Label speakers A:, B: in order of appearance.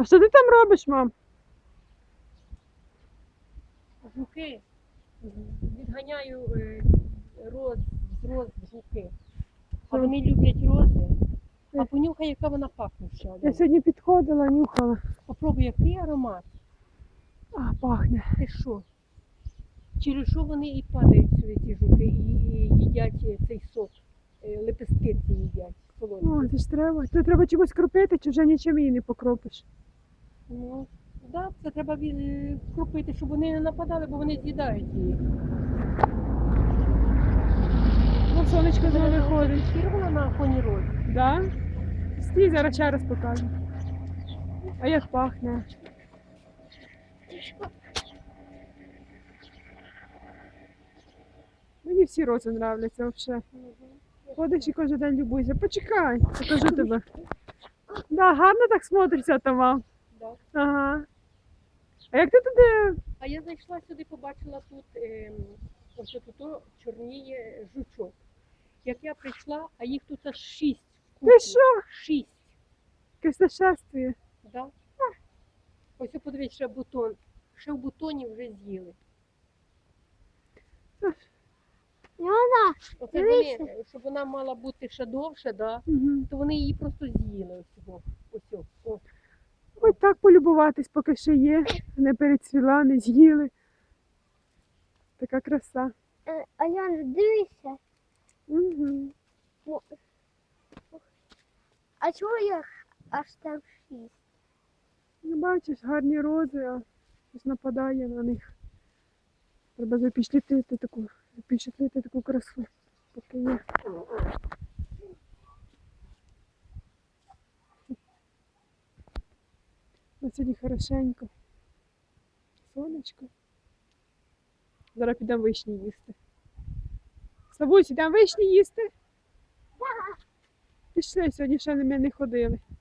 A: А що ти там робиш, мам?
B: Жуки. Відганяю роз жуки. А вони люблять рози. А понюхай, яка вона пахне ще.
A: Я сьогодні підходила, нюхала.
B: Попробуй, який аромат.
A: А, пахне.
B: Ти що? Через що вони і падають сюди, ці жуки, і їдять цей сок. Лепестки ці їдять.
A: О,
B: Солодкі.
A: це ж треба. Це треба чимось кропити, чи вже нічим її не покропиш.
B: Ну, да, це треба кропити, щоб вони не нападали, бо вони з'їдають її.
A: Ну, сонечко знову виходить.
B: Фірмова на фоні розі.
A: Да? Стій, зараз ще раз покажу. А як пахне? Мені всі рози нравляться взагалі. Ходиш і кожен день любуйся. Почекай, покажу тебе. Да, гарно так смотриться там, мам.
B: Да.
A: Ага. А як ти туди?
B: А я зайшла сюди, побачила тут, ось тут чорніє жучок. Як я прийшла, а їх тут аж 6.
A: Ти що?
B: 6.
A: Якесь нашествие.
B: Да? Ось подивіться, ще бутон. Ще в бутоні вже з'їли.
C: Яна,
B: Оце
C: дивися.
B: вони, щоб вона мала бути ще довше, да?
A: Угу.
B: То вони її просто з'їли ось цього. Ось о. О.
A: Ось так полюбуватись, поки ще є. Не перецвіла, не з'їли. Така краса.
C: А Яна, дивися.
A: Угу.
C: А чого їх аж там 6?
A: Ну, бачиш, гарні рози, а щось нападає на них. Треба запечатлити таку красу, поки є. На сьогодні хорошенько. Сонечко. Зараз підемо вишні їсти. Славусь, йдемо вишні їсти? Пішли, сьогодні ще ми не ходили.